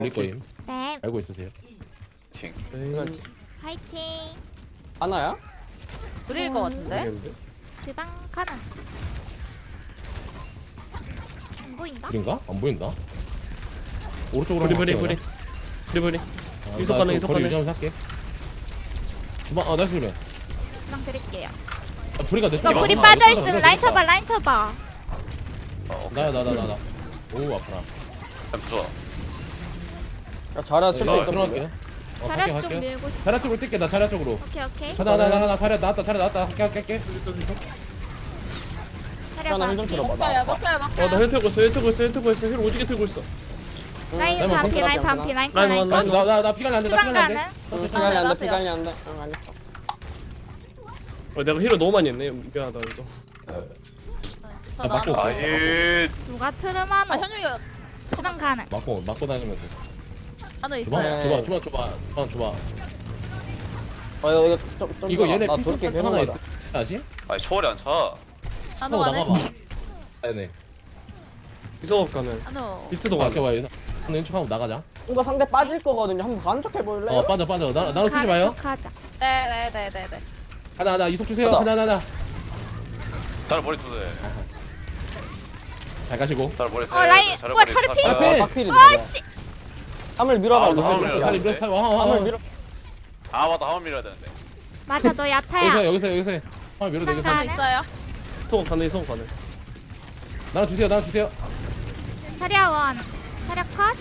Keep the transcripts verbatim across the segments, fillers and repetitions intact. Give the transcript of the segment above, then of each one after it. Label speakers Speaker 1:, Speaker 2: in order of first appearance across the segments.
Speaker 1: 올릴 거임.
Speaker 2: 네,
Speaker 1: 알고 있으세요?
Speaker 3: 팅.
Speaker 2: 화이팅.
Speaker 4: 하나야?
Speaker 5: 그릴 것 같은데?
Speaker 1: 모르겠는데?
Speaker 2: 주방 가능. 안 보인다?
Speaker 1: 그린가? 안 보인다. 오른쪽으로
Speaker 6: 브리
Speaker 1: 한번
Speaker 6: 브리
Speaker 1: 갈게요,
Speaker 6: 브리 브리 브리
Speaker 1: 그냥. 아,
Speaker 6: 이속
Speaker 1: 나
Speaker 6: 가능,
Speaker 1: 좀
Speaker 6: 이속
Speaker 1: 거리
Speaker 6: 가능.
Speaker 1: 유지하면서 할게. 주방 아 나이스 그래.
Speaker 2: 주방 드릴게요.
Speaker 1: 아, 브리가 내
Speaker 2: 이거
Speaker 1: 쪽에
Speaker 2: 불이
Speaker 1: 왔구나.
Speaker 2: 빠져
Speaker 1: 있어,
Speaker 2: 있으면
Speaker 1: 있어,
Speaker 2: 라인
Speaker 1: 있어.
Speaker 2: 쳐봐, 라인 쳐봐.
Speaker 1: 나야 나 나 나 나. 오 아프라.
Speaker 3: 부숴.
Speaker 4: 야 잘해
Speaker 1: 나
Speaker 4: 쓸수
Speaker 1: 들어갈게요. 어 갈게
Speaker 2: 자력 좀
Speaker 1: 갈게.
Speaker 2: 밀고 싶어.
Speaker 1: 자라 쪽으로 뛸게 나 자라 쪽으로.
Speaker 2: 오케이, 오케이.
Speaker 1: 하나 하나 하나 하나 자라 나왔다 자라 나왔다 할게 할게 할게.
Speaker 2: 차려
Speaker 4: 하나
Speaker 2: 봐.
Speaker 4: 힐좀 들어봐.
Speaker 5: 먹어요,
Speaker 4: 나
Speaker 5: 먹어요,
Speaker 6: 어나
Speaker 5: 먹어요.
Speaker 6: 힐 틀고 있어 힐 틀고 있어 힐 틀고 있어 힐 오지게 틀고 있어.
Speaker 2: 라인
Speaker 1: 라인
Speaker 2: 반피,
Speaker 1: 뭐
Speaker 2: 라인 반피, 라인 컷,
Speaker 6: 라인
Speaker 2: 라인
Speaker 6: 원,
Speaker 2: 컷.
Speaker 6: 라인
Speaker 1: 나나나 피가 안돼 나
Speaker 2: 주방
Speaker 1: 피가 안돼.
Speaker 2: 가능.
Speaker 4: 피갈리 안돼
Speaker 5: 나세요.
Speaker 4: 피갈리 안돼. 응 알겠어.
Speaker 6: 어 내가 힐을 너무 많이 했네 미안하다 이거.
Speaker 1: 나 맞고
Speaker 3: 아, 예.
Speaker 2: 누가
Speaker 5: 아,
Speaker 2: 트르마노.
Speaker 5: 현용이가
Speaker 2: 주방 가능.
Speaker 1: 맞고 맞고 다니면서.
Speaker 5: 하나
Speaker 1: 주방
Speaker 5: 있어요.
Speaker 4: 네.
Speaker 1: 줘봐 줘봐 줘봐 주방 줘봐.
Speaker 4: 어 이거 이거 좀, 좀
Speaker 1: 이거 얘네
Speaker 4: 나
Speaker 1: 피스
Speaker 4: 돌게
Speaker 1: 하나
Speaker 4: 계속
Speaker 1: 있어.
Speaker 4: 가자.
Speaker 1: 아지?
Speaker 3: 아니 초월이 안 차.
Speaker 5: 한우
Speaker 1: 어
Speaker 5: 안에.
Speaker 1: 나가봐. 네네.
Speaker 6: 이속 가능.
Speaker 5: 한우.
Speaker 6: 비트도
Speaker 1: 어, 이렇게
Speaker 6: 가능.
Speaker 1: 와요. 왼쪽하고 나가자.
Speaker 4: 이거 상대 빠질 거거든요. 한번 간척 해볼래?
Speaker 1: 어 빠져 빠져. 나 나로 쓰지 마요.
Speaker 2: 가자.
Speaker 5: 네네네네네.
Speaker 1: 하나 하나 이속 주세요.
Speaker 4: 하나.
Speaker 1: 하나 하나 하나.
Speaker 3: 잘 머리 쓰네.
Speaker 1: 잘 가시고.
Speaker 3: 잘 머리 쓰.
Speaker 2: 어, 라인. 우와, 차를 피.
Speaker 1: 앞에.
Speaker 4: 박필이.
Speaker 2: 아, 씨.
Speaker 4: 함을 밀어봐.
Speaker 3: 아,
Speaker 4: 이거.
Speaker 3: 함을
Speaker 4: 함을
Speaker 3: 밀어야
Speaker 1: 빨리
Speaker 3: 돼.
Speaker 1: 밀어 사. 와
Speaker 4: 함을
Speaker 1: 와.
Speaker 4: 밀어.
Speaker 3: 아 맞다 한번 밀어야 되는데.
Speaker 2: 맞아, 너
Speaker 1: 여기서
Speaker 2: 야타야.
Speaker 1: 여기서 여기서. 아 밀어
Speaker 2: 주방
Speaker 1: 되겠어.
Speaker 5: 한우
Speaker 2: 가능.
Speaker 5: 있어요.
Speaker 6: 이속 가능 이속 가능.
Speaker 1: 나랑 주세요. 나랑 주세요.
Speaker 2: 차려 원. 차려 컷.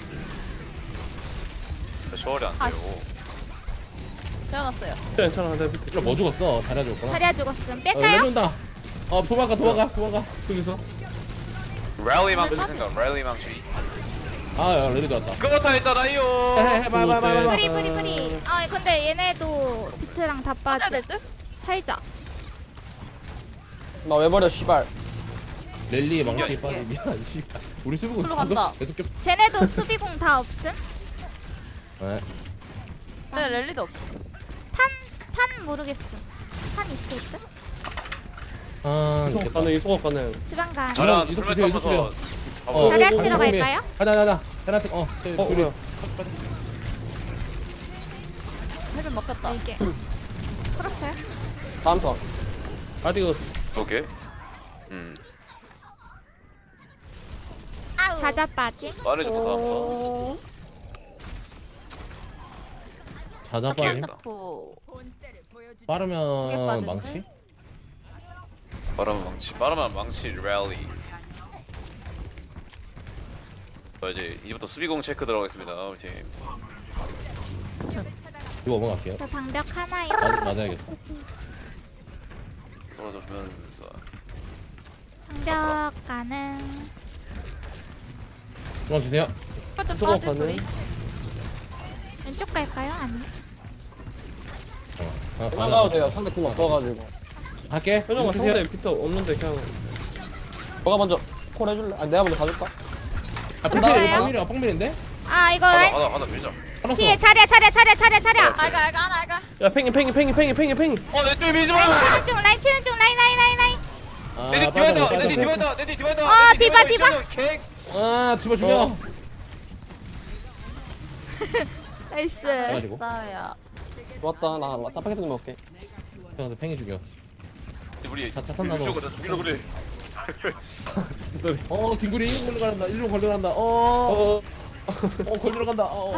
Speaker 3: 초월이 안
Speaker 5: 아,
Speaker 3: 돼요.
Speaker 5: 태어났어요.
Speaker 6: 괜찮아 내가 비트.
Speaker 1: 이거 뭐 죽었어? 잘해줬구나.
Speaker 2: 차려 죽었음.
Speaker 1: 어,
Speaker 2: 뺄까요?
Speaker 1: 내려온다. 어 도망가 도망가 도망가.
Speaker 6: 여기서.
Speaker 3: 랠리 망치 생각. 랠리 망치.
Speaker 1: 아 야, 레디 왔다.
Speaker 3: 그거 다 했잖아요.
Speaker 1: 해해 해봐 해봐 해봐 해봐.
Speaker 2: 뿌리, 뿌리, 뿌리. 아, 근데 얘네도 비트랑 다
Speaker 5: 빠져야
Speaker 2: 빠져.
Speaker 5: 될 듯?
Speaker 2: 살자.
Speaker 4: 나 왜 버려 씨발.
Speaker 1: 랠리 망치
Speaker 5: 이게.
Speaker 1: 빠지 미안 씨발. 우리 수비공
Speaker 5: 글로 간다.
Speaker 1: 계속 겹.
Speaker 2: 쟤네도 수비공 다 없음.
Speaker 1: 네.
Speaker 5: 네, 랠리도 없어.
Speaker 2: 탄, 탄 모르겠어. 탄 있을 듯?
Speaker 1: 아
Speaker 6: 이속
Speaker 1: 이겼다.
Speaker 6: 가능 이속 가능.
Speaker 2: 주방 가능.
Speaker 3: 저랑
Speaker 1: 이속
Speaker 3: 풀면
Speaker 1: 주세요,
Speaker 3: 타면서.
Speaker 1: 어,
Speaker 2: 자리
Speaker 1: 어,
Speaker 2: 치러
Speaker 1: 어,
Speaker 2: 갈까요?
Speaker 1: 하나 하나 하나. 하나 어. 저기
Speaker 6: 어
Speaker 1: 둘이.
Speaker 6: 뭐야.
Speaker 5: 헬멧 먹혔다.
Speaker 2: 이게. 풀었어요?
Speaker 4: 다음 턴.
Speaker 6: 아디오스.
Speaker 3: 오케이. 음.
Speaker 2: 자자 빠짐.
Speaker 3: 말해줘 다음
Speaker 1: 자자 빠지.
Speaker 3: 아,
Speaker 5: fu 이게
Speaker 1: 빠르면
Speaker 5: 빠지는데?
Speaker 1: 망치?
Speaker 3: 말하면 망치. 말하면 망치 랠리. 자, 이제 이제부터 수비공 체크 들어가겠습니다. 우리 팀.
Speaker 1: 이거 넘어갈게요.
Speaker 2: 저 방벽 하나에.
Speaker 1: 맞, 맞아야겠다.
Speaker 3: 떨어져 주면서.
Speaker 2: 방벽 가능.
Speaker 1: 중앙 주세요.
Speaker 5: 똑같은
Speaker 6: 이속
Speaker 5: 빠질
Speaker 6: 가능.
Speaker 5: 뿌리.
Speaker 2: 왼쪽 갈까요? 아니.
Speaker 1: 어. 하나 더
Speaker 4: 나가도
Speaker 1: 하나.
Speaker 4: 돼요. 상대 팀 없어가지고.
Speaker 1: 할게.
Speaker 6: 현영아
Speaker 1: 주세요.
Speaker 6: 상대 비트 없는데 그냥.
Speaker 4: 너가 먼저 콜 해줄래? 아니 내가 먼저 가줄까?
Speaker 1: 아
Speaker 2: 나와요?
Speaker 1: 뽕밀이 뽕밀이야 뽕밀인데?
Speaker 2: 아, 이거
Speaker 3: 하나
Speaker 2: 라인.
Speaker 3: 하나 하나 밀자.
Speaker 1: 알았어.
Speaker 2: 뒤에 차려, 차려, 차려, 차려, 차려.
Speaker 5: 알가, 알가, 하나 알가.
Speaker 6: 야 팽이 팽이 팽이 팽이 팽이 팽이.
Speaker 3: 어내 쪽에 밀지 마.
Speaker 2: 라인 치는 중, 라인 치는 중, 라인, 라인, 라인, 라인.
Speaker 1: 아,
Speaker 3: 내디
Speaker 1: 빠져,
Speaker 3: 디바이더.
Speaker 1: 빠져,
Speaker 3: 내디
Speaker 1: 빠져.
Speaker 3: 디바이더. 내디 디바이더.
Speaker 2: 어,
Speaker 3: 내디
Speaker 2: 디바,
Speaker 3: 디바이더. 개.
Speaker 1: 아 죽어 죽여.
Speaker 2: 나이스.
Speaker 1: 해가지고.
Speaker 5: 싸야.
Speaker 4: 좋았다. 나나 따파게트 좀 먹게.
Speaker 1: 가서 팽이 죽여.
Speaker 3: 우리
Speaker 1: 자, 차 탄다, 너.
Speaker 3: 죽이려고 그래. 죽이려고 그래.
Speaker 6: 쏘리.
Speaker 1: 어 김구리 일로 걸려간다. 일로 걸려간다. 어.
Speaker 6: 어.
Speaker 1: 어 걸리러 간다. 어. 어.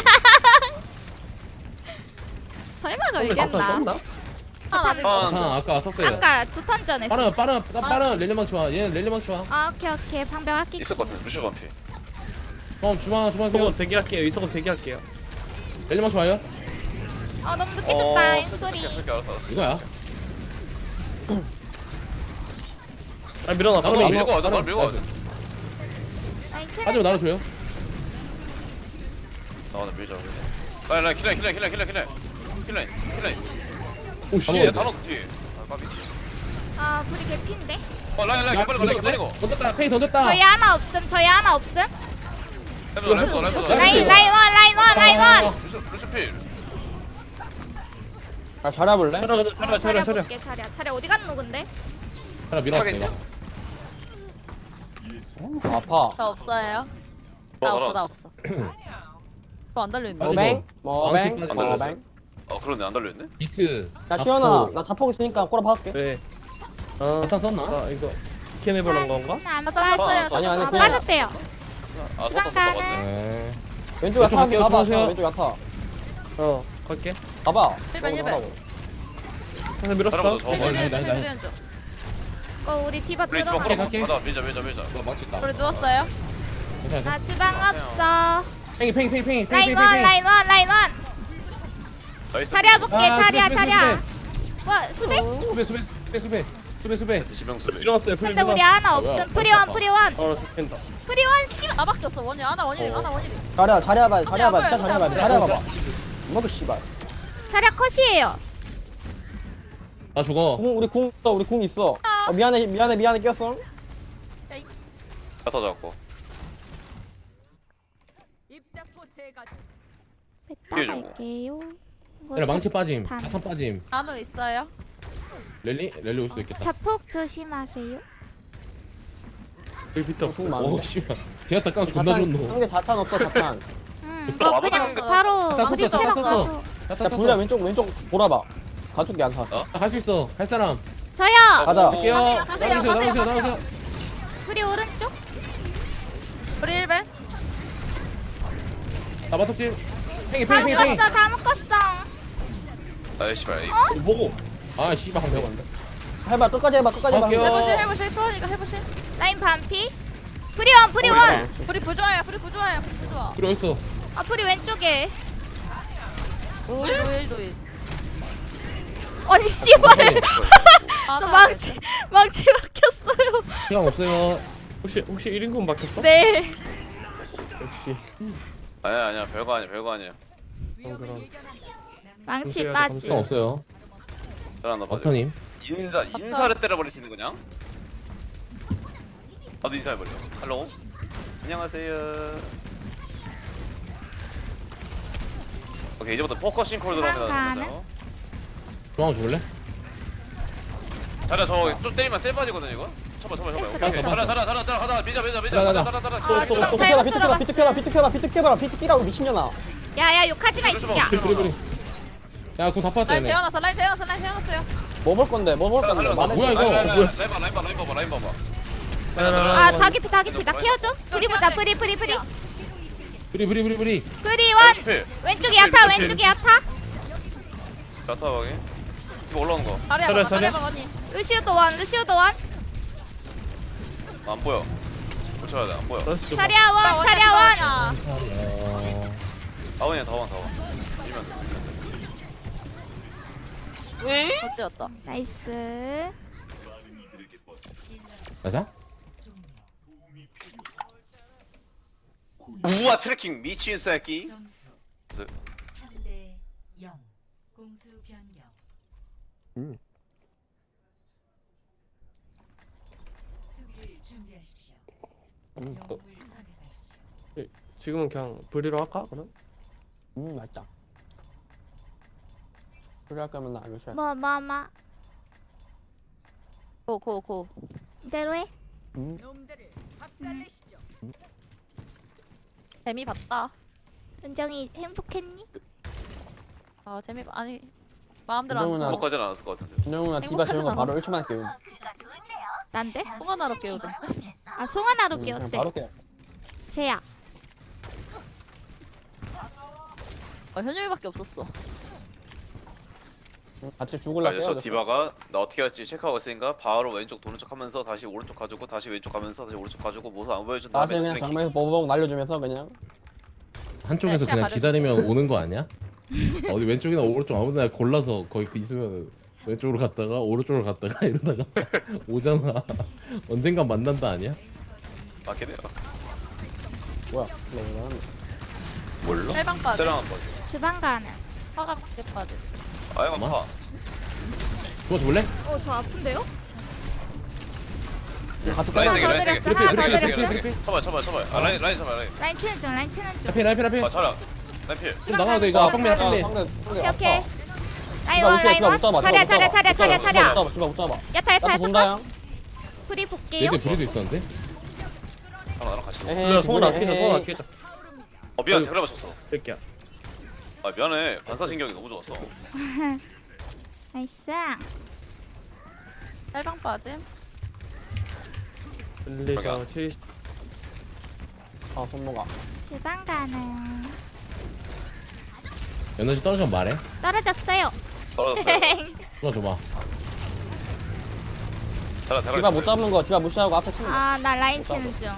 Speaker 2: 설마
Speaker 6: 상대 자탄
Speaker 2: 걸겠나?
Speaker 6: 썼나?
Speaker 5: 하나 아직
Speaker 3: 아,
Speaker 1: 아 아까 썼어요.
Speaker 2: 아까 두 턴 전에.
Speaker 1: 빠른 빠른 빠른 렐레망 좋아. 얘는 렐레망 좋아.
Speaker 2: 아, 오케이, 오케이. 방벽 아끼.
Speaker 3: 있을 것 같아. 루슈 반피.
Speaker 1: 어 주방 주방 세요.
Speaker 6: 이속은 대기할게요 이속은 대기할게요.
Speaker 1: 렐레망 좋아요.
Speaker 2: 어, 너무 늦게
Speaker 3: 어,
Speaker 2: 줬다.
Speaker 3: 쓸게
Speaker 2: 소리.
Speaker 3: 쓸게 쓸게 알았어 알았어.
Speaker 1: 이거야.
Speaker 6: 아 밀어놔
Speaker 1: 나도
Speaker 3: 날
Speaker 6: 빨리.
Speaker 3: 밀고 와자. 날 밀고 와자.
Speaker 2: 라인 치는
Speaker 1: 하지만 나를 줘요.
Speaker 3: 나와나 밀자. 라인 라인 킬라인 킬라인 킬라인 킬라인 킬라인 킬라인 킬라인.
Speaker 1: 오씨.
Speaker 3: 얘 단어 뒤에. 아 까비.
Speaker 2: 아, 불이 개피인데?
Speaker 3: 어 라인 라인 빨리 가 라인 빨리 가.
Speaker 1: 던졌다. 페이 던졌다.
Speaker 2: 저희 하나 없음, 저희 하나 없음.
Speaker 3: 라인 라인 라인 라인.
Speaker 2: 라인, 라인 원, 라인 원, 라인 원.
Speaker 3: 루슈 루슈 필.
Speaker 4: 아 잘해볼래?
Speaker 6: 차려 차려 차려 차려.
Speaker 2: 볼게, 차려. 차려 어디 갔노, 근데?
Speaker 1: 하나 밀어왔어
Speaker 3: 차겠냐?
Speaker 1: 내가.
Speaker 4: 아파.
Speaker 5: 저 없어요.
Speaker 3: 뭐,
Speaker 5: 나 없어,
Speaker 3: 알았어.
Speaker 5: 나 없어. 이거 안 달려있네.
Speaker 1: 빠지고.
Speaker 4: 뭐뱅? 뭐뱅?
Speaker 1: 왕치
Speaker 3: 빠지고.
Speaker 4: 뭐뱅?
Speaker 3: 어 그러네 안 달려있네.
Speaker 1: 비트.
Speaker 4: 야 시원아 나 자폭 있으니까 꼬라 박을게.
Speaker 6: 네. 아,
Speaker 1: 자탄 썼나?
Speaker 6: 아 이거 캐네버런 건가?
Speaker 2: 안
Speaker 5: 아,
Speaker 2: 빠졌어요.
Speaker 5: 썼어요.
Speaker 4: 아니, 아니,
Speaker 2: 어,
Speaker 4: 그냥-
Speaker 2: 빠졌대요.
Speaker 3: 아
Speaker 2: 주방
Speaker 3: 썼어 썼어.
Speaker 2: 가는.
Speaker 1: 네.
Speaker 4: 왼쪽
Speaker 1: 왼쪽
Speaker 4: 야타
Speaker 1: 갈게요,
Speaker 4: 가봐.
Speaker 1: 주무세요.
Speaker 4: 왼쪽 야타.
Speaker 6: 어 갈게.
Speaker 4: 가봐.
Speaker 5: 일반, 일반.
Speaker 4: 가라고.
Speaker 6: 하나 밀었어.
Speaker 3: 사람도 저
Speaker 1: 네, 네,
Speaker 5: 힐
Speaker 1: 네, 네.
Speaker 5: 힐 힐 줘.
Speaker 2: 어 우리 디바
Speaker 3: 우리 집안
Speaker 2: 들어가.
Speaker 3: 끌어.
Speaker 1: 갈게.
Speaker 3: 가자 밀자 밀자 밀자.
Speaker 1: 이거 망쳤다.
Speaker 5: 우리 누웠어요.
Speaker 1: 괜찮아.
Speaker 2: 나 주방 없어.
Speaker 1: 팽이 팽이 팽이 팽이 팽이
Speaker 2: 라인
Speaker 1: 팽이
Speaker 2: 원
Speaker 1: 팽이.
Speaker 2: 라인 원 라인 원.
Speaker 3: 나이스.
Speaker 2: 자리야 볼게
Speaker 1: 아,
Speaker 2: 자리야
Speaker 1: 수비, 수비,
Speaker 2: 자리야. 와 수비?
Speaker 1: 수배 수배 수배 수배 수배 수배.
Speaker 3: 나이스 지명수.
Speaker 6: 들어갔어요. 풀
Speaker 2: 근데 우리
Speaker 6: 들어갔어.
Speaker 2: 하나
Speaker 1: 아, 뭐야?
Speaker 2: 없음. 프리원 프리원
Speaker 6: 어 죽겠다.
Speaker 2: 프리원 씨.
Speaker 5: 나밖에 없어. 원일 하나 원일 하나 원일.
Speaker 4: 자리야 자리야 봐. 자리야 봐.
Speaker 5: 보세요,
Speaker 4: 진짜 자리야 봐.
Speaker 5: 보세요,
Speaker 4: 자리야
Speaker 1: 보세요.
Speaker 4: 봐봐. 이모도 씨발.
Speaker 2: 자리야 컷이에요.
Speaker 1: 나 죽어.
Speaker 4: 궁 우리 궁 있어. 우리 궁 있어. 어, 미안해 미안해 미안해 꼈어.
Speaker 3: 가서 잡고.
Speaker 5: 입자포 제가
Speaker 2: 뺐다
Speaker 3: 이게 좀
Speaker 2: 갈게요. 이거
Speaker 1: 얘네 망치
Speaker 2: 자-
Speaker 1: 빠짐.
Speaker 2: 단.
Speaker 1: 자탄 빠짐.
Speaker 5: 나노 있어요.
Speaker 1: 랠리 랠리 올 수도 있겠다.
Speaker 2: 자폭 조심하세요.
Speaker 6: 여기 비트 없어.
Speaker 4: 궁 많아.
Speaker 1: 오 씨발. 제가 딱강 존나
Speaker 4: 자탄
Speaker 1: 좋노.
Speaker 4: 상대 자탄 없어 자탄.
Speaker 2: 음,
Speaker 3: 어,
Speaker 2: 이거 그냥
Speaker 3: 아무튼
Speaker 2: 바로
Speaker 1: 다
Speaker 2: 망치
Speaker 1: 썼어, 다
Speaker 2: 채로
Speaker 1: 썼어.
Speaker 2: 가서.
Speaker 1: 자탄
Speaker 4: 야
Speaker 1: 탔어.
Speaker 4: 불리야 왼쪽 왼쪽 돌아봐. 가족이 안 사.
Speaker 3: 어?
Speaker 1: 갈 수 있어. 갈 사람.
Speaker 2: 저요.
Speaker 4: 가자.
Speaker 1: 갈게요.
Speaker 5: 가세요, 가세요,
Speaker 1: 나오세요,
Speaker 5: 가세요,
Speaker 1: 나오세요,
Speaker 5: 가세요.
Speaker 1: 나오세요.
Speaker 2: 프리 오른쪽.
Speaker 5: 우리 일벤.
Speaker 1: 나 마톱집. 팽이
Speaker 2: 다
Speaker 1: 팽이 팽이 팽이.
Speaker 2: 묶었어 다 묶었어.
Speaker 3: 아이 씨발.
Speaker 6: 보고.
Speaker 1: 아 씨발 한 명.
Speaker 4: 해봐 끝까지 해봐 끝까지 해봐.
Speaker 1: 갈게요.
Speaker 5: 해보실 해보실 초원이가 해보실.
Speaker 2: 라인 반피. 프리원 프리원.
Speaker 5: 불이 부조화야. 불이 부조화야. 불이 부조화.
Speaker 1: 그래 있어.
Speaker 2: 아 프리 왼쪽에.
Speaker 5: 우리 노일 노일.
Speaker 2: 아니 씨발.
Speaker 5: 아,
Speaker 2: 저 망치 망치 박혔어요.
Speaker 1: 시간 없어요.
Speaker 6: 혹시 혹시 일 인분 바뀌었어?
Speaker 2: 네.
Speaker 6: 역시.
Speaker 3: 아니야 아니야 별거 아니야 별거 아니야.
Speaker 6: 어, 그럼.
Speaker 2: 망치
Speaker 6: 조심해야 돼,
Speaker 2: 빠지.
Speaker 1: 시간 없어요.
Speaker 3: 잘한다 빠져.
Speaker 1: 버터님.
Speaker 3: 인사 인사를 때려버릴 수 있는 거냐? 나도 인사해버려. 할로. 안녕하세요. 오케이 이제부터 포커싱 콜 들어갑니다.
Speaker 2: 가는?
Speaker 1: 중앙 줄래?
Speaker 3: 자라 저좀 때리면 셀 빠지거든 이거. 쳐봐 쳐봐 쳐봐. 오케이 오케이. 자라 자라 자라 자라 가자 밀자 밀자 밀자.
Speaker 1: 가자,
Speaker 3: 자라
Speaker 1: 가자.
Speaker 3: 자라 자라.
Speaker 2: 아,
Speaker 4: 비트
Speaker 2: 좀
Speaker 4: 켜라
Speaker 2: 잘못
Speaker 4: 비트 켜라
Speaker 2: 들어갔어.
Speaker 4: 비트 켜라 비트 켜라 비트 켜라 비트 켜라 비트 켜라고 미친년아.
Speaker 2: 야야 욕하지 마이 새끼야.
Speaker 1: 그래 그래. 야궁 다 빠졌다
Speaker 5: 라인
Speaker 1: 얘네.
Speaker 5: 재워놨어. 라인 재워놨어. 라인 재워놨어요.
Speaker 4: 뭐 볼 건데 뭐 볼 건데 말해.
Speaker 1: 뭐야, 이거?
Speaker 3: 라인
Speaker 1: 뭐야?
Speaker 3: 봐봐 라인 봐봐 라인 봐봐 라인 봐봐.
Speaker 2: 아 다기피 다기피 나 케어줘. 프리 보자 프리 프리 프리.
Speaker 1: 브리 브리 브리 브리.
Speaker 2: 프리원.
Speaker 3: 필.
Speaker 2: 왼쪽에 야타 왼쪽에 야타.
Speaker 3: 자타 확인. 이거 올라오는 거.
Speaker 5: 자리야
Speaker 6: 자리야,
Speaker 5: 봐봐. 자리야
Speaker 6: 자리야.
Speaker 5: 봐봐 언니.
Speaker 2: 루시오도 원 루시오도 원.
Speaker 3: 안 보여. 붙여야 돼 안 보여.
Speaker 6: 나이스 좀.
Speaker 2: 차리아 원 차리아 원.
Speaker 1: 어...
Speaker 3: 다원이야 다원 다원. 밀면 돼.
Speaker 5: 어찌였다.
Speaker 2: 나이스.
Speaker 1: 맞아?
Speaker 3: 우와 트래킹 미친 새끼.
Speaker 7: 삼 대 영 공수 변경.
Speaker 4: 음.
Speaker 7: 수비를 준비하십시오.
Speaker 4: 음,
Speaker 7: 영웅을 선택하십시오.
Speaker 6: 지금은 그냥 브리로 할까? 그럼?
Speaker 4: 음 맛있다. 그래 할 거면 나 이거
Speaker 2: 뭐 뭐 뭐.
Speaker 5: 고고 고.
Speaker 2: 이대로 해.
Speaker 4: 음.
Speaker 5: 놈들을 박살내시죠. 재미 봤다.
Speaker 2: 은정이 행복했니?
Speaker 5: 아 재미 봐- 아니 마음대로 안
Speaker 4: 그러면은-
Speaker 5: 써.
Speaker 3: 거까지는 안 했을 것 같은데.
Speaker 4: 준영훈아 디바 재운 거 바로 일 초만 할게.
Speaker 2: 난데?
Speaker 5: 통화나로 깨우든.
Speaker 2: 아 송하나로
Speaker 4: 응,
Speaker 2: 끼
Speaker 4: 그냥
Speaker 2: 어때?
Speaker 4: 바로 깨.
Speaker 2: 쟤야.
Speaker 5: 아 현영이밖에 없었어.
Speaker 4: 응, 같이 죽을라
Speaker 3: 그래서
Speaker 4: 깨워.
Speaker 3: 디바가 나 어떻게 할지 체크하고 있으니까 바로 왼쪽 도는 척 하면서 다시 오른쪽 가지고 다시 왼쪽 가면서 다시 오른쪽 가지고 모습 안 보여준
Speaker 4: 다시
Speaker 3: 다음에
Speaker 4: 그냥
Speaker 3: 트래킹.
Speaker 4: 정면에서 버벅 날려주면서 그냥.
Speaker 1: 한쪽에서
Speaker 5: 시야
Speaker 1: 그냥
Speaker 5: 가려-
Speaker 1: 기다리면 오는 거 아니야? 어디 왼쪽이나 오른쪽 아무데나 골라서 거기 그 있으면 왼쪽으로 갔다가 오른쪽으로 갔다가 이러다가 오잖아. 언젠간 만난다 아니야?
Speaker 3: 맞게 돼요.
Speaker 4: 뭐야? 너 뭐야?
Speaker 3: 뭘로?
Speaker 5: 셀방 빠지.
Speaker 3: 세랑 한 번.
Speaker 2: 주방 가는.
Speaker 5: 화가 크게 빠지.
Speaker 3: 아예 아파.
Speaker 1: 그거 줄래?
Speaker 2: 어저 아픈데요?
Speaker 4: 같이
Speaker 3: 라인
Speaker 2: 하나
Speaker 3: 세게
Speaker 2: 더
Speaker 3: 라인 세게.
Speaker 2: 드렸어. 하나 더
Speaker 1: 그래, 그래,
Speaker 2: 드렸어.
Speaker 1: 그래, 그래.
Speaker 3: 쳐봐 쳐봐 쳐봐. 아 라인 라인 쳐봐 라인.
Speaker 2: 라인 치는 중 라인 치는 중.
Speaker 1: 앞에 앞에 앞에.
Speaker 3: 아 차라. 라인 필.
Speaker 1: 좀 나가도 돼 이거 앞방면 앞방면.
Speaker 4: 상대 상대
Speaker 2: 오케이
Speaker 4: 아파.
Speaker 2: 오케이. 라인
Speaker 4: 디바
Speaker 2: 원
Speaker 4: 못
Speaker 2: 라인
Speaker 4: 잡아,
Speaker 2: 원.
Speaker 4: 못 잡아,
Speaker 2: 차려
Speaker 4: 못 잡아,
Speaker 2: 차려 차려
Speaker 4: 못
Speaker 2: 차려
Speaker 4: 잡아,
Speaker 2: 차려.
Speaker 4: 못 잡아, 못 잡아, 못 잡아.
Speaker 2: 야타 야타
Speaker 4: 나도
Speaker 2: 야타.
Speaker 4: 본다요.
Speaker 2: 프리 볼게요.
Speaker 1: 얘들 브리도 있었는데?
Speaker 3: 하나 나랑 같이.
Speaker 6: 그래 손 아끼자 손 아끼자.
Speaker 3: 어 미안 대가리 맞췄어.
Speaker 6: 뺄게야.
Speaker 3: 아 미안해. 반사신경이 너무 좋았어.
Speaker 2: 나이스.
Speaker 5: 짤방 빠짐.
Speaker 6: 릴리저 칠십.
Speaker 4: 아 손모가.
Speaker 2: 주방 가는.
Speaker 1: 에너지 떨어지면 말해.
Speaker 2: 떨어졌어요.
Speaker 3: 떨어졌어요.
Speaker 1: 줘봐 줘봐.
Speaker 3: 자라 대가리.
Speaker 4: 디바 못 잡는 거 디바 무시하고 앞에 치는 거.
Speaker 2: 아, 나 라인 치는 중.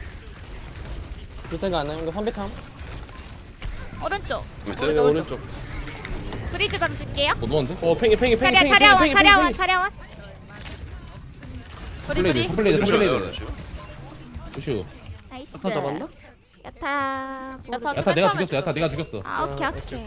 Speaker 4: 비슷한 거안 나는 거 선배탐.
Speaker 2: 오른쪽.
Speaker 3: 밑에.
Speaker 6: 네, 오른쪽.
Speaker 2: 브리즈 방 줄게요.
Speaker 1: 못 넣었는데?
Speaker 6: 어 팽이 팽이 팽이
Speaker 2: 차려,
Speaker 6: 팽이
Speaker 2: 차려원,
Speaker 6: 팽이
Speaker 2: 차려원,
Speaker 6: 팽이.
Speaker 2: 차려원.
Speaker 5: 브리
Speaker 1: 플레이드
Speaker 5: 브리.
Speaker 1: 플레이드
Speaker 3: 루시오예요,
Speaker 1: 플레이드.
Speaker 3: 루시오.
Speaker 1: 우슈.
Speaker 2: 나이스.
Speaker 6: 아까 잡았나?
Speaker 2: 야타.
Speaker 5: 야타.
Speaker 1: 야타 내가
Speaker 5: 처음에
Speaker 1: 죽였어. 야타
Speaker 5: 죽였어.
Speaker 1: 내가 죽였어.
Speaker 2: 아, 오케이,
Speaker 6: 아,
Speaker 2: 오케이.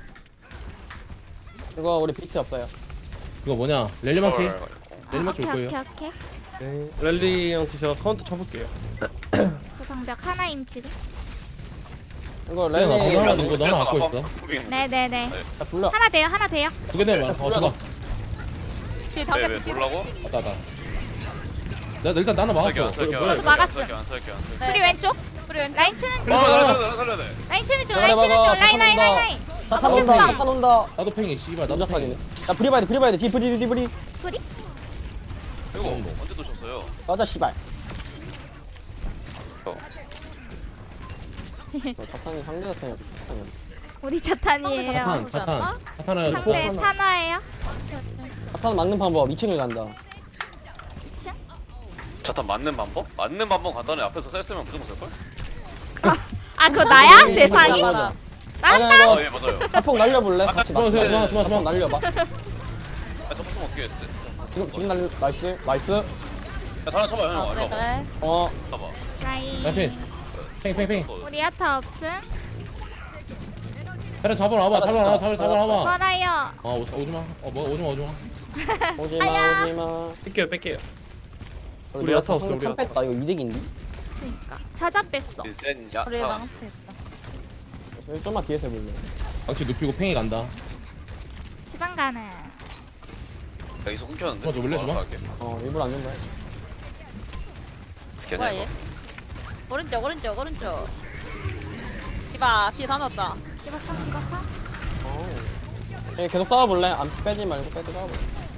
Speaker 4: 이거 우리 비트 없어요.
Speaker 1: 이거 뭐냐? 렐리망치.
Speaker 3: 헐.
Speaker 1: 렐리망치 올
Speaker 2: 아, 오케이,
Speaker 1: 거예요.
Speaker 2: 오케이, 오케이.
Speaker 6: 네. 랠리 형한테 제가 카운터 쳐볼게요.
Speaker 2: 저 방벽 하나임 지금.
Speaker 4: 이거
Speaker 1: 렐리 나
Speaker 4: 랠리
Speaker 1: 방금
Speaker 3: 아,
Speaker 1: 이거 너무 갖고 있어.
Speaker 2: 네네네.
Speaker 4: 자 불러.
Speaker 2: 하나 돼요, 하나 돼요.
Speaker 1: 두 개 내면 어 줘봐.
Speaker 5: 뒤에 다개
Speaker 3: 왜왜
Speaker 5: 붙이.
Speaker 3: 놀라고?
Speaker 1: 왔다 왔다. 내가 일단 나눠
Speaker 3: 쓸게 안
Speaker 1: 막았어.
Speaker 3: 쓸게
Speaker 6: 뭐야,
Speaker 3: 안
Speaker 2: 이거 막았어.
Speaker 3: 쓸게 안 쓸게 안 쓸게.
Speaker 2: 우리 왼쪽.
Speaker 5: 브리 왼쪽.
Speaker 2: 라인 치는 중.
Speaker 3: 어 살려야 돼 살려야 돼.
Speaker 2: 라인 치는 중,
Speaker 4: 대가리
Speaker 2: 라인 치는 중.
Speaker 4: 박아.
Speaker 2: 라인, 라인, 라인, 라인.
Speaker 4: 자탄
Speaker 2: 어,
Speaker 4: 온다.
Speaker 2: 됐어.
Speaker 4: 자탄 온다.
Speaker 1: 나도 팽이 씨발 나도
Speaker 4: 남자파기네.
Speaker 1: 팽이.
Speaker 4: 야 브리 봐야 돼. 브리 봐야 돼. 뒤 브리 뒤 브리.
Speaker 2: 브리?
Speaker 3: 이거 언제 도쳤어요?
Speaker 4: 맞아 씨발.
Speaker 3: 어.
Speaker 4: 저 자탄이 상대 자탄이 자탄이.
Speaker 2: 우리 자탄이에요.
Speaker 1: 차탄
Speaker 5: 오지 않나?
Speaker 1: 차탄 차탄을
Speaker 2: 상대 탄화예요.
Speaker 4: 자탄 막는 방법 이 층을 간다.
Speaker 3: 자탄 맞는 방법? 맞는 방법 간단해. 앞에서 셀 쓰면 무조건 쓸걸?
Speaker 2: 아, 그거 나야?
Speaker 4: 음,
Speaker 2: 대상이?
Speaker 4: 맞아.
Speaker 2: 나?
Speaker 4: 아니야
Speaker 3: 아
Speaker 4: 이거
Speaker 3: 예 맞아요.
Speaker 4: 자폭 날려볼래? 같이
Speaker 1: 좋아, 좋아,
Speaker 4: 맞자.
Speaker 1: 좋아, 좋아,
Speaker 4: 자폭
Speaker 1: 좋아.
Speaker 4: 날려봐.
Speaker 3: 아 접근 어떻게 했어?
Speaker 4: 지금 지금 날려. 나이스 나이스.
Speaker 3: 야 전화 쳐봐 형.
Speaker 5: 어,
Speaker 3: 일로
Speaker 5: 그래
Speaker 3: 와봐.
Speaker 5: 그래.
Speaker 4: 어
Speaker 3: 봐봐.
Speaker 2: 라인.
Speaker 1: 라인 팽이 팽이 팽이.
Speaker 2: 우리 야타 없음.
Speaker 1: 차례 잡아라 와봐 잡아라 와봐 잡아라 잡아라 와봐.
Speaker 2: 멀어요.
Speaker 1: 아 오- 오지마. 어 뭐 오지마 오지마.
Speaker 4: 오지마 오지마.
Speaker 6: 뺄게요 뺄게요. 우리
Speaker 4: 내가
Speaker 6: 야타 없어,
Speaker 4: 상대
Speaker 6: 우리
Speaker 4: 탐 뺐다. 이거 이득인데?
Speaker 2: 그러니까. 찾아 뺐어.
Speaker 3: 센
Speaker 5: 우리
Speaker 3: 야타.
Speaker 5: 망치 있다.
Speaker 4: 그래서 좀만 뒤에서 해볼래.
Speaker 1: 망치 눕히고 팽이 간다.
Speaker 2: 지방 가는.
Speaker 3: 야 이소 끊겼는데?
Speaker 1: 어, 저 원래
Speaker 3: 알아서
Speaker 1: 좋아?
Speaker 3: 할게.
Speaker 4: 어 일부러 안 준다.
Speaker 3: 스캔
Speaker 5: 뭐야
Speaker 3: 이거.
Speaker 5: 얘? 오른쪽 오른쪽 오른쪽. 디바 뒤에 다 넣었다.
Speaker 2: 이거 참 이거 참.
Speaker 4: 예, 계속 싸워볼래? 안 빼지 말고 빼지 싸워볼래.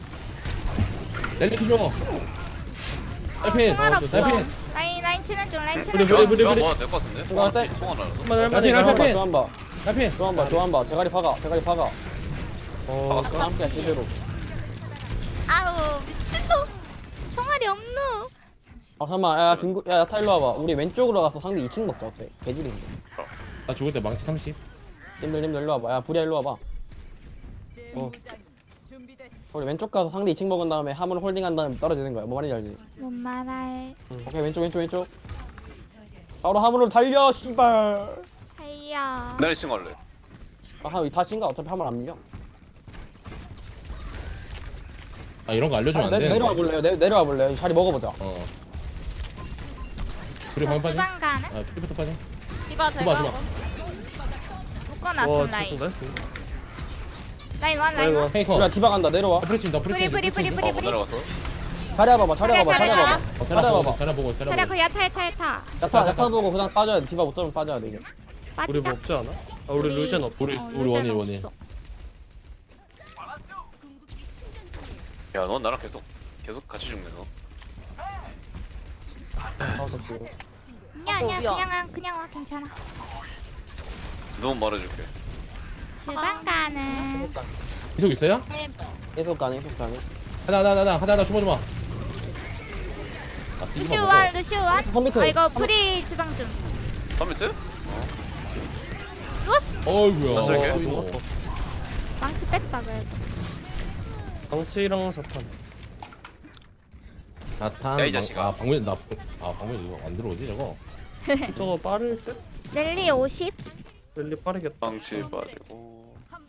Speaker 1: 렐리 줘. 딸핀.
Speaker 2: 총알
Speaker 1: 어,
Speaker 2: 없어.
Speaker 1: 딸핀.
Speaker 2: 라인 라인 치는 중, 라인
Speaker 6: 우리
Speaker 2: 치는
Speaker 6: 우리
Speaker 2: 중.
Speaker 6: 우리
Speaker 3: 야,
Speaker 6: 우리.
Speaker 3: 뭐 될것 같은데?
Speaker 4: 이거 할때?
Speaker 3: 총알 알아.
Speaker 6: 한번 할만해.
Speaker 1: 라인, 라인,
Speaker 6: 가.
Speaker 1: 라인.
Speaker 4: 조한바
Speaker 1: 딸핀.
Speaker 4: 조한바 조한바 대가리 박아 대가리 박아.
Speaker 6: 어.
Speaker 4: 함께 제대로.
Speaker 5: 아우 미친놈.
Speaker 2: 총알이 없누.
Speaker 4: 아 잠깐만 야 중구 야 야타 일로 와봐. 우리 왼쪽으로 가서 상대 이 층 먹자 어때? 개질인데.
Speaker 1: 나 죽을 때 망치 삼십.
Speaker 4: 님들 님들 일로 와봐. 야 부리야 일로 와봐. 어. 우리 왼쪽 가서 상대 이 층 먹은 다음에 화물 홀딩한 다음에 떨어지는 거야. 뭐 말인지 알지?
Speaker 2: 뭔 말할.
Speaker 4: 오케이 왼쪽 왼쪽 왼쪽. 바로 화물로 달려 씨발.
Speaker 2: 하이야.
Speaker 3: 내리 친 걸래.
Speaker 4: 아 다 친가 어차피 화물 안 밀려.
Speaker 1: 아 이런 거 알려주면
Speaker 4: 아,
Speaker 1: 안
Speaker 4: 내,
Speaker 1: 되는데.
Speaker 4: 내려와 볼래요? 내, 내려와 볼래요? 자리 먹어보자.
Speaker 1: 어. 우리 방금 빠지?
Speaker 2: 지방 가는.
Speaker 1: 아 피부터 빠지?
Speaker 5: 디바
Speaker 1: 좋아,
Speaker 5: 제가
Speaker 1: 좋아.
Speaker 2: 묶어놨음
Speaker 6: 와
Speaker 2: 라인.
Speaker 6: 진짜 나이스.
Speaker 2: 라인 원, 라인 원.
Speaker 1: 페이커.
Speaker 4: 야 디바 간다 내려와.
Speaker 1: 아, 프리친다
Speaker 2: 뿌리, 뿌리, 뿌리, 뿌리.
Speaker 3: 어, 못 내려갔어.
Speaker 4: 자리 와봐봐 자리 와봐봐 자리
Speaker 2: 자리,
Speaker 4: 와봐봐.
Speaker 1: 어,
Speaker 4: 자리
Speaker 1: 차려
Speaker 4: 와봐.
Speaker 1: 보고 차려 보고 차려
Speaker 2: 차려
Speaker 1: 보고.
Speaker 2: 그 야타 야타 야타.
Speaker 4: 야타 야타 보고 그냥 빠져야 돼. 디바 못 잡으면 빠져야 돼 이게.
Speaker 6: 우리
Speaker 2: 빠지자.
Speaker 6: 뭐 없지 않아? 아 우리 룰젠 없.
Speaker 1: 우리
Speaker 2: 어,
Speaker 1: 우리
Speaker 2: 룰제는
Speaker 1: 원일 원일.
Speaker 2: 없어.
Speaker 3: 야, 넌 나랑 계속 계속 같이 죽네 너.
Speaker 4: 다섯 개.
Speaker 2: 아니야 아니야
Speaker 5: 미안.
Speaker 2: 그냥 와 그냥 와 괜찮아.
Speaker 3: 눈 말해줄게.
Speaker 2: 지방 가는.
Speaker 1: 계속 있어요?
Speaker 4: 계속 가네 계속 가네.
Speaker 1: 하나 하나 하나 하나 하나 주마 주마. 아
Speaker 2: 루시우
Speaker 1: 쓰기만
Speaker 2: 원,
Speaker 1: 먹어.
Speaker 2: 루시우 원.
Speaker 4: 컴퓨터.
Speaker 2: 아 이거 프리 지방 좀.
Speaker 3: 컴퓨터?
Speaker 1: 어이구야.
Speaker 3: 나 쓸게.
Speaker 1: 어, 이거.
Speaker 2: 망치 뺐다 그래도.
Speaker 6: 방치랑 자탄.
Speaker 1: 나탄.
Speaker 3: 야, 이 자식아.
Speaker 1: 아 방금 나아 방금 이거 안 들어오지 저거.
Speaker 6: 저거 빠를 때?
Speaker 2: 넬리 오십.
Speaker 6: 랠리 빠르겠다.
Speaker 3: 방치 빠지고.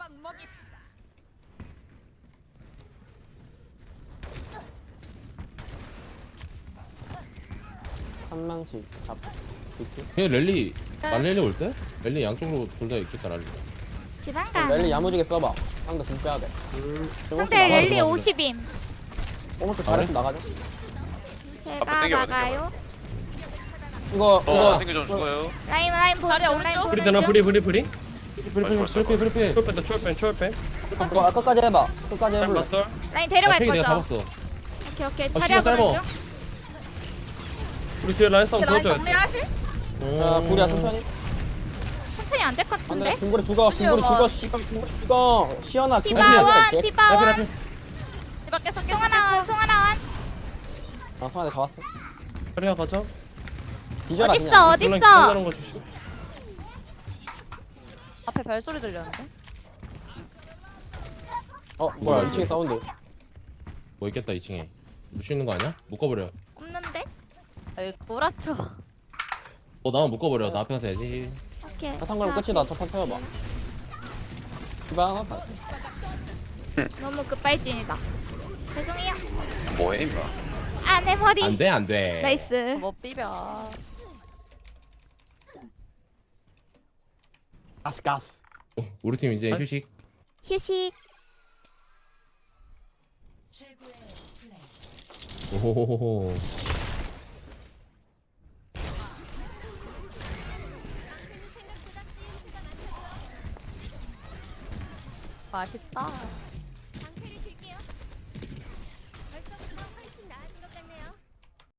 Speaker 4: 한 명씩 잡. 비트.
Speaker 1: 걔 랠리 만 랠리 올 때? 랠리 양쪽으로 둘 다 있겠다 랠리.
Speaker 2: 지방
Speaker 4: 랠리
Speaker 2: 가는.
Speaker 4: 야무지게 써봐. 상대 진 빼야 돼.
Speaker 2: 상대
Speaker 1: 나가야
Speaker 2: 랠리
Speaker 1: 돼,
Speaker 2: 오십임.
Speaker 4: 오른쪽
Speaker 1: 아,
Speaker 4: 잘해서
Speaker 1: 그래?
Speaker 4: 나가자.
Speaker 3: 앞에
Speaker 2: 제가
Speaker 3: 당겨봐,
Speaker 2: 나가요.
Speaker 4: 이거
Speaker 3: 어
Speaker 4: 이거
Speaker 3: 땡겨 좀 죽어요.
Speaker 2: 라인 라인 보는
Speaker 5: 다리
Speaker 2: 중
Speaker 5: 오른쪽.
Speaker 2: 라인
Speaker 6: 브리
Speaker 2: 보는
Speaker 6: 되나
Speaker 2: 중.
Speaker 6: 브리 브리 브리
Speaker 1: 프리피 프리피 프리피
Speaker 6: 초월 뺀다 초월 뺀 초월 뺀
Speaker 4: 이거 끝까지 해봐. 끝까지 해볼래.
Speaker 6: 맞돌
Speaker 2: 라인
Speaker 1: 나
Speaker 2: 데려갈
Speaker 1: 팽이 내가
Speaker 2: 거죠.
Speaker 1: 잡았어
Speaker 2: 오케이 오케이.
Speaker 1: 아,
Speaker 2: 자리야
Speaker 1: 시간
Speaker 2: 보는
Speaker 1: 짧아.
Speaker 2: 중.
Speaker 6: 우리 뒤에 라인 싸움
Speaker 5: 라인
Speaker 6: 도와줘야 돼
Speaker 5: 정리하실?
Speaker 4: 자 부리야 천천히.
Speaker 2: 천천히 안 될 것
Speaker 4: 안돼.
Speaker 2: 같은데.
Speaker 4: 김구리 죽어. 김구리
Speaker 5: 뛰어봐.
Speaker 4: 죽어. 씨발 김구리 죽어. 시원아.
Speaker 2: 디바
Speaker 4: 김구리
Speaker 2: 원
Speaker 4: 죽어.
Speaker 2: 디바 원.
Speaker 5: 디바 깼어 깼어
Speaker 2: 송하나 원
Speaker 5: 깼어.
Speaker 2: 송하나 원.
Speaker 4: 아 성환이 다 왔어.
Speaker 6: 자리야 가자
Speaker 4: 뒤져라
Speaker 2: 어딨어
Speaker 4: 그냥.
Speaker 6: 놀란
Speaker 2: 어딨어.
Speaker 6: 놀라는 거 주시
Speaker 5: 앞에 발소리 들렸는데?
Speaker 4: 어 뭐야 이 층에 사운드.
Speaker 1: 뭐 있겠다 이 층에 물 있는 거 아니야? 묶어버려
Speaker 2: 없는데?
Speaker 5: 아 여기 구라쳐.
Speaker 1: 어 나만 묶어버려 나 앞에 가서 해야지
Speaker 2: 오케이.
Speaker 4: 사탕과랑 끝이다. 첫판 태워봐. 디바 하나.
Speaker 2: 너무 급발진이다. 죄송해요.
Speaker 3: 뭐해 임마.
Speaker 2: 아 내 머리.
Speaker 1: 안돼 안돼
Speaker 2: 나이스.
Speaker 5: 못 비벼.
Speaker 4: 가스 가스.
Speaker 1: 우리 팀 이제
Speaker 6: 아?
Speaker 1: 휴식
Speaker 2: 휴식.
Speaker 7: 최고의 플레이.
Speaker 1: 오호호호
Speaker 5: 맛있다.